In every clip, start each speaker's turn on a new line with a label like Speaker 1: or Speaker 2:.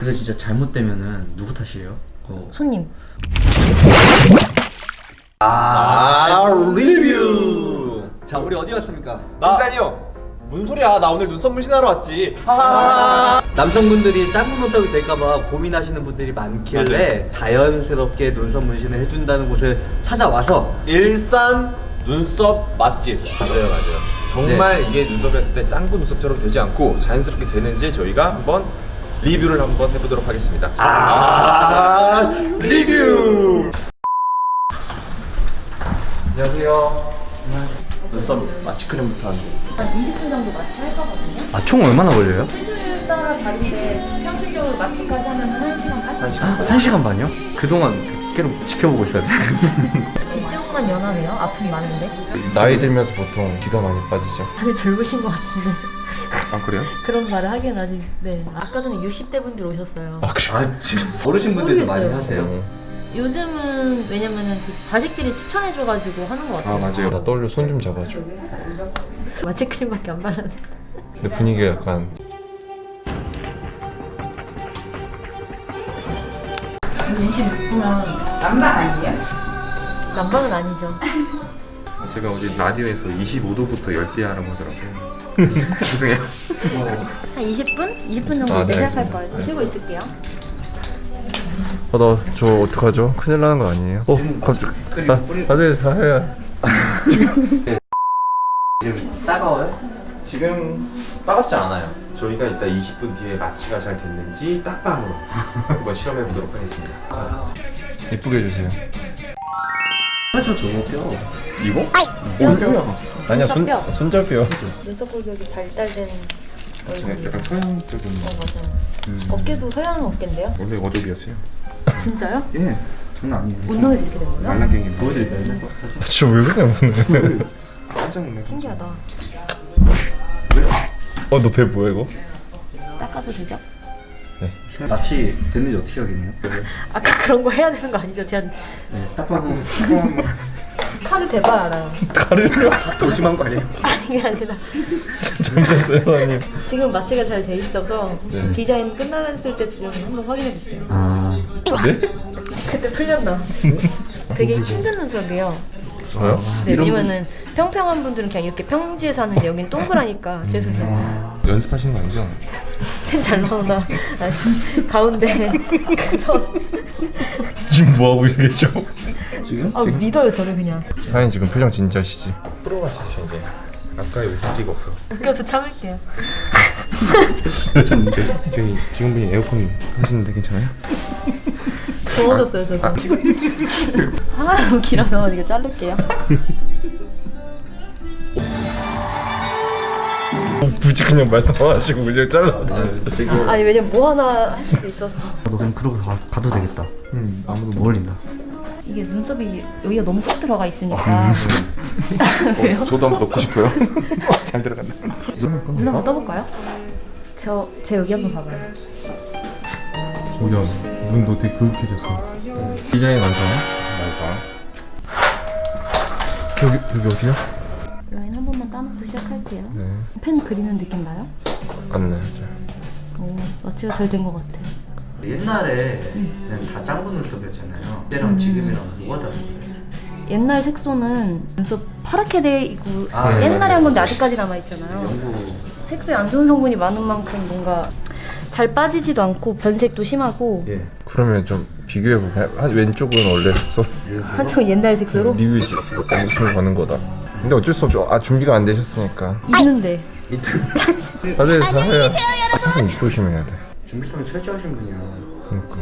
Speaker 1: 근데 진짜 잘못되면은 누구 탓이에요?
Speaker 2: 손님.
Speaker 3: 리뷰. 자, 우리 어디 왔습니까?
Speaker 4: 일산이요. 무슨 소리야? 나 오늘 눈썹 문신하러 왔지.
Speaker 3: 남성분들이 짧은 눈썹이 될까봐 고민하시는 분들이 많길래 자연스럽게 눈썹 문신을 해준다는 곳을 찾아와서
Speaker 4: 일산 눈썹 맛집. 맞아요. 정말 이게 눈썹이었을 때 짱구 눈썹처럼 되지 않고 자연스럽게 되는지 저희가 한번 리뷰를 한번 해보도록 하겠습니다. 리뷰. 안녕하세요. 눈썹 마취 크림부터 하는데
Speaker 2: 한 20분 정도 마취할 거거든요.
Speaker 1: 아, 총 얼마나 걸려요?
Speaker 2: 체중에 따라 다른데 평균적으로 마취까지 하면 한 1시간 반?
Speaker 1: 1시간 반이요? 그동안 계속 지켜보고 있어야 돼.
Speaker 2: 뒷주부만 연하네요. 아픔이 많은데.
Speaker 4: 나이 들면서 보통 귀가 많이 빠지죠.
Speaker 2: 다들 젊으신 것 같은데.
Speaker 4: 아 그래요?
Speaker 2: 그런 말을 하기엔 아직. 네. 아까 전에 60대 분들 오셨어요.
Speaker 3: 아, 지금 어르신분들도 많이
Speaker 2: 모르겠어요.
Speaker 3: 하세요.
Speaker 2: 요즘은 왜냐면은 자식들이 추천해줘가지고 하는 것 같아요.
Speaker 4: 맞아요. 나 떠올려 손 좀 잡아줘.
Speaker 2: 마취 크림밖에 안 발랐는데.
Speaker 4: 근데 분위기가 약간
Speaker 5: 26분은 남방 아니에요?
Speaker 2: 난방은 아니죠.
Speaker 4: 제가 어제 라디오에서 25도부터 열대야라고 하더라고요. 죄송해요.
Speaker 2: 한 20분? 20분 정도
Speaker 4: 아, 네.
Speaker 2: 시작할 거예요. 좀 쉬고 있을게요.
Speaker 4: 나 저 어떡하죠? 큰일 나는 거 아니에요? 갑자기 다들 다 해야.
Speaker 3: 따가워요?
Speaker 4: 지금 따갑지 않아요. 저희가 이따 20분 뒤에 마취가 잘 됐는지 딱방으로 한번 실험해 보도록 하겠습니다. 예쁘게 해주세요.
Speaker 1: 저 뼈.
Speaker 4: 이거?
Speaker 2: 뼈죠.
Speaker 4: 아니야
Speaker 2: 눈썹뼈.
Speaker 4: 손잡이요.
Speaker 2: 눈썹 골격이 발달된 얼굴.
Speaker 4: 약간 서양적인.
Speaker 2: 맞아요. 어깨도 서양 어깨인데요?
Speaker 4: 원래 어도비였어요.
Speaker 2: 진짜요?
Speaker 1: 예, 장난 아니에요.
Speaker 2: 운동에서 이렇게 된 거예요?
Speaker 1: 말라갱이 보여드릴까요?
Speaker 4: 진짜 왜 그래 오늘? 깜짝 놀랐어.
Speaker 2: 신기하다.
Speaker 4: 너 배 뭐야 이거?
Speaker 2: 닦아도 되죠?
Speaker 1: 마취 됐는지 어떻게 확인해요?
Speaker 2: 아까 그런 거 해야 되는 거 아니죠? 제가
Speaker 1: 딱 봐도
Speaker 2: 칼을 대봐야 알아요.
Speaker 4: 가르려? 더 심한 거 아니에요?
Speaker 2: 아니 그게 아니라
Speaker 4: 잘못했어요 아님.
Speaker 2: 지금 마취가 잘 돼 있어서
Speaker 4: 네.
Speaker 2: 디자인 끝났을 때쯤 한번 확인해 볼게요.
Speaker 4: 네?
Speaker 2: 그때 풀렸나? 되게 힘든 눈썹이에요.
Speaker 4: 저요?
Speaker 2: 네, 왜냐면은 평평한 분들은 그냥 이렇게 평지에서 하는데 여긴 동그라니까 죄송해요.
Speaker 4: 연습하시는 거 아니죠?
Speaker 2: 펜 잘 나오나? 아니, 가운데 그 선.
Speaker 4: 지금 뭐 하고 계시죠?
Speaker 1: 지금?
Speaker 2: 아 믿어요 저를 그냥.
Speaker 4: 사인 지금 표정 진지하시지? 프로가시죠 이제. 아까 웃을 기가 없어.
Speaker 2: 웃겨서 참을게요.
Speaker 4: 저희 직원분이 에어컨 하시는데 괜찮아요?
Speaker 2: 더워졌어요 저도. 하나 너무 길어서 이거 자를게요.
Speaker 4: 굳이 그냥 말씀하시고 그냥 잘라.
Speaker 2: 아니 왜냐면 뭐 하나 할 수도 있어서.
Speaker 1: 너 그냥 그러고 가도 되겠다. 아무도 못 올린다.
Speaker 2: 이게 눈썹이 여기가 너무 쏙 들어가 있으니까. 왜요?
Speaker 4: 저도 한번 넣고 싶어요. 잘 들어간다.
Speaker 2: 눈 한번 떠볼까요? 제 여기 한번 봐봐요.
Speaker 4: 오야, 눈도 되게 그윽해졌어. 디자인 완성. 여기 어디야?
Speaker 2: 라인 한 번만 따놓고 시작할게요.
Speaker 4: 네.
Speaker 2: 펜 그리는 느낌 나요?
Speaker 4: 안 나죠.
Speaker 2: 오, 마취가 잘 된 것 같아요.
Speaker 1: 옛날에는 다 짱구 눈썹이었잖아요. 그때랑 지금이랑 뭐가 다른가요?
Speaker 2: 옛날 색소는 눈썹 파랗게 돼 있고
Speaker 1: 아,
Speaker 2: 옛날에
Speaker 4: 맞아요.
Speaker 2: 한 건데 아직까지 남아 있잖아요.
Speaker 1: 연구
Speaker 2: 색소에 안 좋은 성분이 많은 만큼 뭔가 잘 빠지지도 않고 변색도 심하고
Speaker 1: 예.
Speaker 4: 그러면 좀 비교해보면 한 왼쪽은 원래 색소
Speaker 2: 한쪽은 옛날 색소로
Speaker 4: 리뷰지 무슨 가는 거다. 근데 어쩔 수 없죠. 준비가 안 되셨으니까.
Speaker 2: 있는데
Speaker 4: 다들 다 해야. 항상 조심해야 돼.
Speaker 1: 준비성이 철저하신 분이야.
Speaker 4: 그러니까.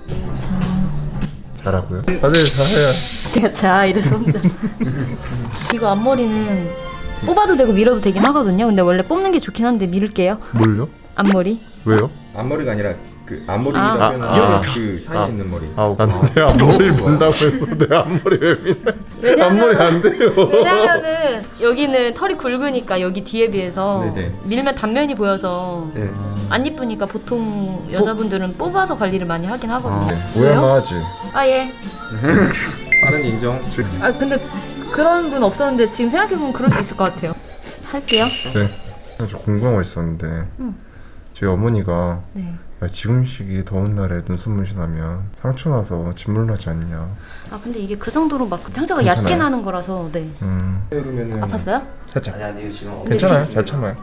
Speaker 4: 잘하고요. 다들 다 해야.
Speaker 2: 내가 자 이래서 혼자 이거 앞머리는 뽑아도 되고 밀어도 되긴 하거든요. 근데 원래 뽑는 게 좋긴 한데 밀을게요.
Speaker 4: 뭘요?
Speaker 2: 앞머리.
Speaker 4: 왜요?
Speaker 6: 앞머리가 아니라 그
Speaker 2: 아.
Speaker 6: 앞머리라고 표현하는 그 사이에
Speaker 4: 아.
Speaker 6: 있는 머리.
Speaker 4: 나는 내 앞머리를 본다고 해서 내 앞머리 왜 미나? 앞머리 안 돼요.
Speaker 2: 왜냐면은 여기는 털이 굵으니까 여기 뒤에 비해서
Speaker 6: 네네.
Speaker 2: 밀면 단면이 보여서
Speaker 6: 네.
Speaker 2: 안 이쁘니까 보통 여자분들은 뽑아서 관리를 많이 하긴 하거든요.
Speaker 4: 오해만 하지.
Speaker 2: 아 예.
Speaker 6: 빠른 인정.
Speaker 2: 아 근데 그런 분 없었는데 지금 생각해보면 그럴 수 있을 것 같아요. 할게요.
Speaker 4: 네. 저 궁금한 거 있었는데
Speaker 2: 응.
Speaker 4: 저희 어머니가
Speaker 2: 네.
Speaker 6: 야, 지금 시기 더운 날에 눈썹 문신하면 상처 나서 진물 나지 않냐.
Speaker 2: 아 근데 이게 그 정도로 막 상처가
Speaker 6: 괜찮아요?
Speaker 2: 얕게 나는 거라서 네.
Speaker 6: 그러면은
Speaker 2: 아팠어요?
Speaker 6: 살짝.
Speaker 1: 아니 이거 지금
Speaker 6: 괜찮아요. 잘 참아요.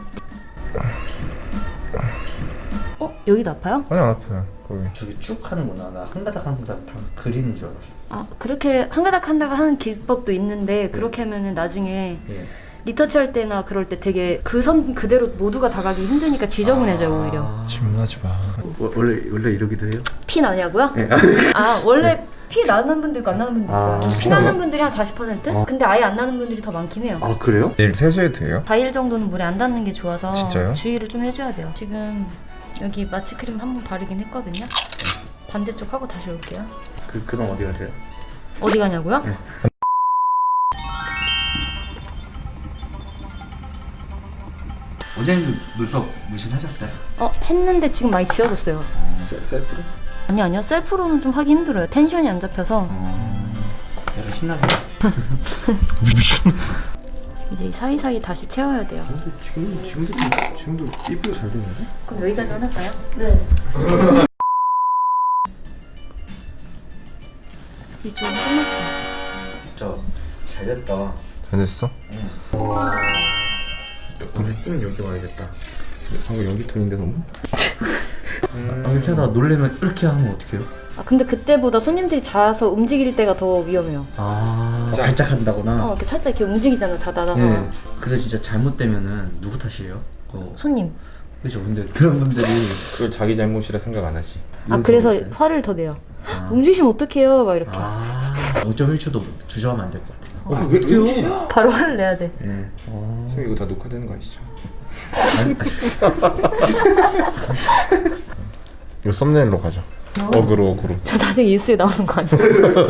Speaker 2: 여기도 아파요?
Speaker 6: 아니 안 아파요. 거기.
Speaker 1: 저기 쭉 하는구나. 나 한 가닥 한 가닥 다 그리는 줄 알았어.
Speaker 2: 아 그렇게 한 가닥 한 가닥 하는 기법도 있는데 그렇게 하면은 나중에
Speaker 1: 예.
Speaker 2: 리터치 할 때나 그럴 때 되게 그 선 그대로 모두가 다 가기 힘드니까 지저분해져요 오히려.
Speaker 6: 질문하지 마.
Speaker 1: 원래 이러기도 해요?
Speaker 2: 피 나냐고요?
Speaker 1: 네.
Speaker 2: 아 원래 피 나는 분도 있고 안 나는 분도 있어요.
Speaker 1: 아,
Speaker 2: 피 나는 분들이 한 40%? 근데 아예 안 나는 분들이 더 많긴 해요.
Speaker 1: 아 그래요?
Speaker 6: 내일 세수해도 돼요?
Speaker 2: 4일 정도는 물에 안 닿는 게 좋아서
Speaker 6: 진짜요?
Speaker 2: 주의를 좀 해줘야 돼요. 지금 여기 마취 크림 한 번 바르긴 했거든요. 반대쪽 하고 다시 올게요.
Speaker 1: 그럼 어디 가세요?
Speaker 2: 어디 가냐고요?
Speaker 1: 네. 어제는 눈썹 문신하셨어요?
Speaker 2: 했는데 지금 많이 지워졌어요.
Speaker 6: 셀프로?
Speaker 2: 아니요. 셀프로는 좀 하기 힘들어요. 텐션이 안 잡혀서.
Speaker 1: 내가 신나게.
Speaker 2: 이제 이 사이사이 다시 채워야 돼요.
Speaker 6: 지금도 이쁘게 잘 되는데?
Speaker 2: 그럼 여기까지만 할까요? 네. 이쪽은 끝났어요.
Speaker 1: 진짜 잘 됐다.
Speaker 6: 잘 됐어?
Speaker 1: 응.
Speaker 6: 오늘 여기 와야겠다. 방금 연기 톤인데 너무?
Speaker 1: 이렇게 하다 놀래면 이렇게 하면 어떡해요?
Speaker 2: 아 근데 그때보다 손님들이 자서 움직일 때가 더 위험해요.
Speaker 1: 발작 한다거나.
Speaker 2: 이렇게 살짝 이렇게 움직이잖아요. 자다가.
Speaker 1: 예. 그게 진짜 잘못되면은 누구 탓이에요?
Speaker 2: 손님.
Speaker 1: 그죠. 근데 그런 분들이
Speaker 6: 그걸 자기 잘못이라 생각 안 하지.
Speaker 2: 아 그래서 화를 더 내요. 움직이시면 어떡해요? 막 이렇게.
Speaker 1: 5.1초도 주저하면 안 될 것 같아요.
Speaker 6: 왜 웃기죠?
Speaker 2: 바로 화를 내야 돼.
Speaker 1: 예.
Speaker 6: 선생님 이거 다 녹화되는 거 아시죠? 이거 썸네일로 가자. 어그로.
Speaker 2: 저 나중에 뉴스에 나오는 거 아니에요?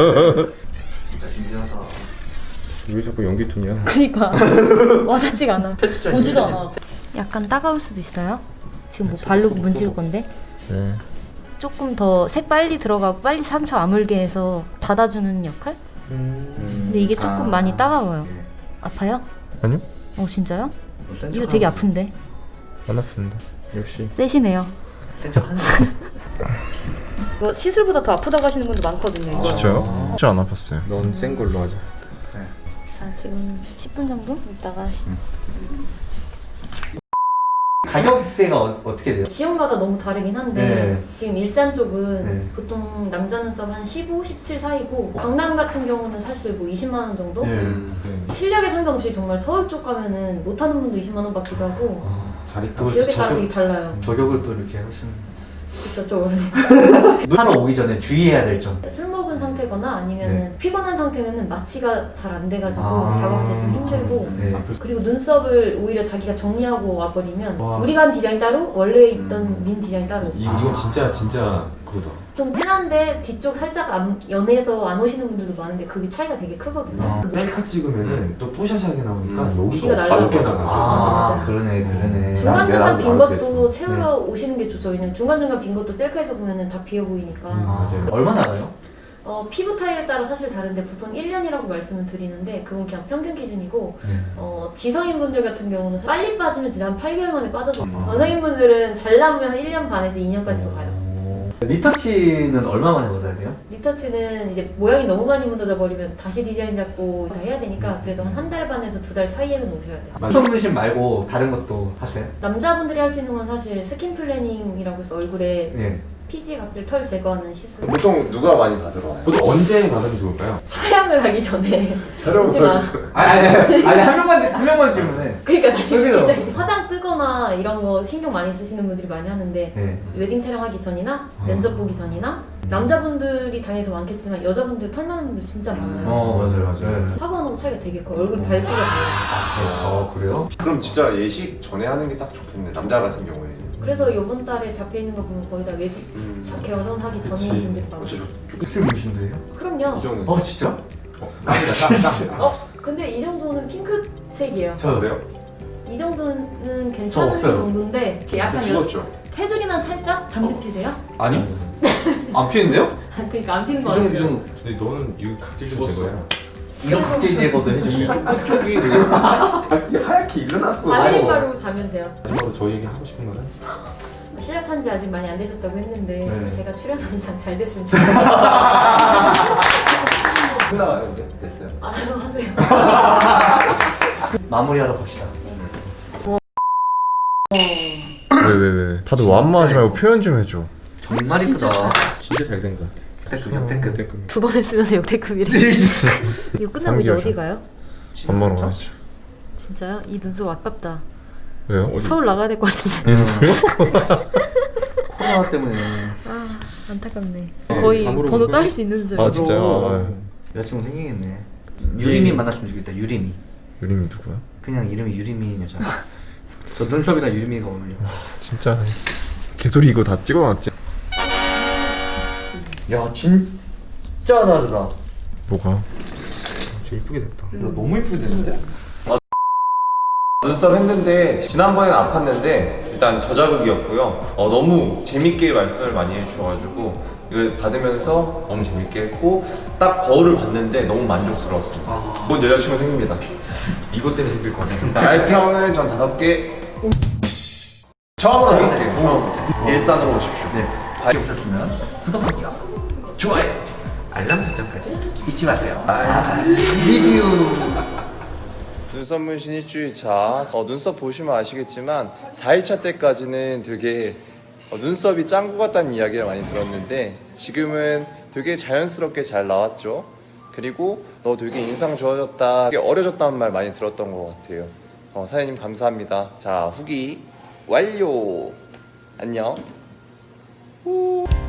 Speaker 6: 왜 자꾸 연기 톤이야?
Speaker 2: 그니까 와닿지가 않아.
Speaker 5: 보지도 않아.
Speaker 2: 약간 따가울 수도 있어요. 지금 뭐 바르고 문질 건데
Speaker 6: 네.
Speaker 2: 조금 더 색 빨리 들어가고 빨리 상처 아물게 해서 닫아주는 역할? 근데 이게 조금 많이 따가워요. 아파요?
Speaker 6: 아니요?
Speaker 2: 진짜요? 이거 되게 아픈데.
Speaker 6: 안 아픈데. 역시.
Speaker 2: 세시네요.
Speaker 1: 센척하는
Speaker 2: 이거 시술보다 더 아프다고 하시는 분도 많거든요. 이거.
Speaker 6: 진짜요? 진짜 안 아팠어요. 넌 센 걸로 하자.
Speaker 2: 자 지금 10분 정도 있다가
Speaker 1: 가격대가 어떻게 돼요?
Speaker 2: 지역마다 너무 다르긴 한데
Speaker 1: 네.
Speaker 2: 지금 일산 쪽은
Speaker 1: 네.
Speaker 2: 보통 남자 눈썹 한 15, 17 사이고 강남 같은 경우는 사실 뭐 20만 원 정도? 실력에 상관없이 정말 서울 쪽 가면은 못하는 분도 20만 원 받기도 하고 지역에 따라 되게 달라요.
Speaker 1: 저격을 또 이렇게 하시는.
Speaker 2: 그쵸, 저 원래
Speaker 1: 하러 오기 전에 주의해야 될 점.
Speaker 2: 술 먹은 상태거나 아니면은 피곤한 상태면은 마취가 잘 안 돼가지고
Speaker 1: 아.
Speaker 2: 작업할 때 좀 힘들고
Speaker 1: 네.
Speaker 2: 그리고 눈썹을 오히려 자기가 정리하고 와버리면
Speaker 1: 와.
Speaker 2: 우리가 한 디자인 따로 원래 있던 민 디자인 따로
Speaker 4: 이건 진짜 그거다.
Speaker 2: 좀 진한데 뒤쪽 살짝 연해서 안 오시는 분들도 많은데 그게 차이가 되게 크거든요.
Speaker 4: 셀카 찍으면은 또 뽀샤시하게 나오니까
Speaker 2: 기가
Speaker 4: 여기가
Speaker 2: 날라가죠.
Speaker 4: 빠졌게 나가죠.
Speaker 1: 그러네.
Speaker 2: 중간중간 빈
Speaker 4: 내가
Speaker 2: 것도 채우러 오시는 게 좋죠. 왜냐면 중간중간 빈 것도 셀카에서 보면은 다 비어 보이니까.
Speaker 4: 맞아요.
Speaker 1: 얼마나 가요?
Speaker 2: 피부 타입에 따라 사실 다른데 보통 1년이라고 말씀을 드리는데 그건 그냥 평균 기준이고 지성인분들 같은 경우는 빨리 빠지면 진짜 한 8개월 만에 빠져서 여성인분들은 잘 나오면 한 1년 반에서 2년까지도 가요.
Speaker 1: 리터치는 얼마 만에 받아야 돼요?
Speaker 2: 리터치는 이제 모양이 너무 많이 무너져 버리면 다시 디자인 잡고 다 해야 되니까 그래도 한 달 반에서 2달 사이에는 오셔야 돼요.
Speaker 1: 눈썹 문신 말고 다른 것도 하세요?
Speaker 2: 남자분들이 할 수 있는 건 사실 스킨 플래닝이라고 해서 얼굴에
Speaker 1: 예.
Speaker 2: 피지, 각질, 털 제거하는 시술.
Speaker 4: 보통 누가 많이 받으러 와요? 보통 언제 받으면 좋을까요?
Speaker 2: 촬영을 하기 전에
Speaker 4: 촬영을
Speaker 2: 오지 마.
Speaker 1: 아니 한 명만 질문해.
Speaker 2: 그러니까 나중에
Speaker 1: 그래요.
Speaker 2: 굉장히 화장 뜨거나 이런 거 신경 많이 쓰시는 분들이 많이 하는데
Speaker 1: 네.
Speaker 2: 웨딩 촬영하기 전이나 면접 보기 전이나 남자분들이 당연히 더 많겠지만 여자분들 털 많은 분들 진짜 많아요.
Speaker 1: 맞아요.
Speaker 2: 사과하고 차이가 되게 커요. 얼굴 밝기가 달라요.
Speaker 1: 그래요?
Speaker 4: 그럼 진짜 예식 전에 하는 게 딱 좋겠네. 남자 같은 경우에는.
Speaker 2: 그래서 이번 달에 잡혀 있는 거 보면 거의 다 웨딩 결혼하기 전인 분들이 많아요.
Speaker 1: 어떻게 문신도 해요?
Speaker 2: 그럼요.
Speaker 4: 이정은.
Speaker 1: 진짜?
Speaker 4: 깜짝이야.
Speaker 2: 근데 이 정도는 핑크색이에요.
Speaker 1: 저 그래요?
Speaker 2: 이 정도는
Speaker 1: 저
Speaker 2: 괜찮은
Speaker 1: 없어요.
Speaker 2: 정도인데 약간
Speaker 4: 죽었죠.
Speaker 2: 테두리만 살짝 담배 피세요?
Speaker 1: 아니요. 안 피는데요?
Speaker 2: 그러니까 안 피는 거 같아요.
Speaker 4: 근데 너는 이 각질 좀 제거야.
Speaker 1: 이런 각질 제거도 해주고.
Speaker 4: 쪽이 하얗게 일어났어.
Speaker 2: 바세린 바르고 자면 돼요.
Speaker 4: 마지막으로 저희 얘기 하고 싶은 거는?
Speaker 2: 시작한 지 아직 많이 안 되셨다고 했는데
Speaker 1: 네.
Speaker 2: 제가 출연한 이상 잘 됐으면 좋겠어요.
Speaker 3: 끝나가요 이제? 됐어요.
Speaker 2: 알아서 하세요.
Speaker 1: 마무리하러 갑시다.
Speaker 6: 왜? 다들 완마하지 말고 표현 좀 해줘.
Speaker 1: 정말 이쁘다.
Speaker 4: 진짜 잘 된 것 같아.
Speaker 1: 역대급 역대급.
Speaker 2: 두 번 했으면서 역대급이래. 이거 끝나고 이제 어디 가요?
Speaker 6: 밥 먹으러 가야죠.
Speaker 2: 진짜요? 이 눈썹 아깝다.
Speaker 6: 왜요?
Speaker 2: 서울 나가야 될 것 같은데.
Speaker 1: 코로나 때문에.
Speaker 2: 아 안타깝네. 거의
Speaker 4: 방으로
Speaker 2: 번호
Speaker 4: 오세요?
Speaker 2: 따일 수 있는 줄.
Speaker 6: 아 진짜요?
Speaker 1: 여자친구 생기겠네. 유림이 만났으면 좋겠다. 유림이.
Speaker 6: 유림이 누구야?
Speaker 1: 그냥 이름이 유림이인 여자. 저 눈썹이랑 유림이가 어울려.
Speaker 6: 진짜 개소리 이거 다 찍어놨지?
Speaker 1: 야 진짜 다르다.
Speaker 6: 뭐가?
Speaker 4: 진짜 이쁘게 됐다.
Speaker 1: 야, 너무 이쁘게 됐는데?
Speaker 4: 눈썹 했는데 지난번엔 아팠는데 일단 저자극이었고요. 너무 재밌게 말씀을 많이 해주셔가지고 이걸 받으면서 너무 재밌게 했고 딱 거울을 봤는데 너무 만족스러웠습니다. 곧 여자친구 생깁니다. 이것 때문에 생길 거 같아요. 알평은 전 5개. 처음으로 할게요. 처음. 일산으로 오십시오.
Speaker 1: 네. 발이 오셨으면 구독하기요. 좋아요. 알람 설정까지 잊지 마세요. 리뷰.
Speaker 7: 눈썹 문신 일주일차. 눈썹 보시면 아시겠지만 4일차 때까지는 되게 눈썹이 짱구 같다는 이야기를 많이 들었는데 지금은 되게 자연스럽게 잘 나왔죠. 그리고 너 되게 인상 좋아졌다, 되게 어려졌다는 말 많이 들었던 것 같아요. 사장님 감사합니다. 자, 후기 완료. 안녕.